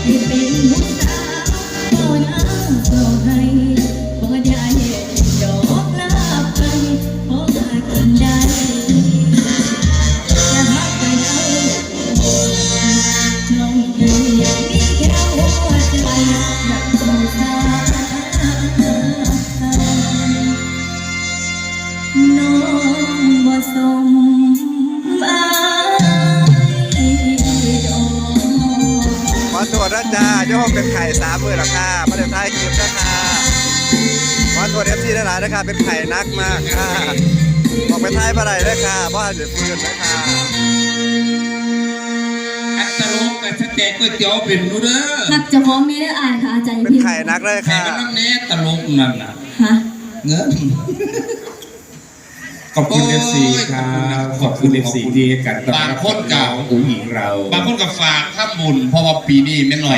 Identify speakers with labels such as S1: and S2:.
S1: ให้เป็นผู้สาวบ่น้ำบ่ให้บ่ได้ดอกลาไปขอหากินได้จะหักกันเอาน้องเอ๋ยมีแค่หัวใจนักสงสารน้องบ่สมอายดอก
S2: ขอตรวจนะจ๊ะโยมเป็นไข่3 มื้อแล้วค่ะมาเดี๋ยวท้ายคลิปนะค่ะขอตรวจFC ได้หลายนะคะเป็นไข่นักมากค่ะบอกไปท้ายมาไหนเลยค่ะเพราะอาจจะฟื้นนะคะ
S3: อัตลกแต่ถ้าแจกก๋วยเตี๋ยวเป็นรู้เด้อ
S1: หักจะพร้อมมีได้อ่านค่ะอาจารย์
S2: เป็น
S1: พิมพ์
S2: ไข่นักเลย
S3: แข่
S2: ค่ะ
S3: กันน้ำเน้ตลกนั่นน่ะ
S1: ฮะ
S3: เงิน
S4: ขอบคุณ FC ครับขอบคุณ FC ที่ให้กันต้อนรับบางคนกับ
S3: อุ้งหญิงเรา บางคนกับฝากถ้าบุญเพราะว่าปีนี้ไม่หน่อย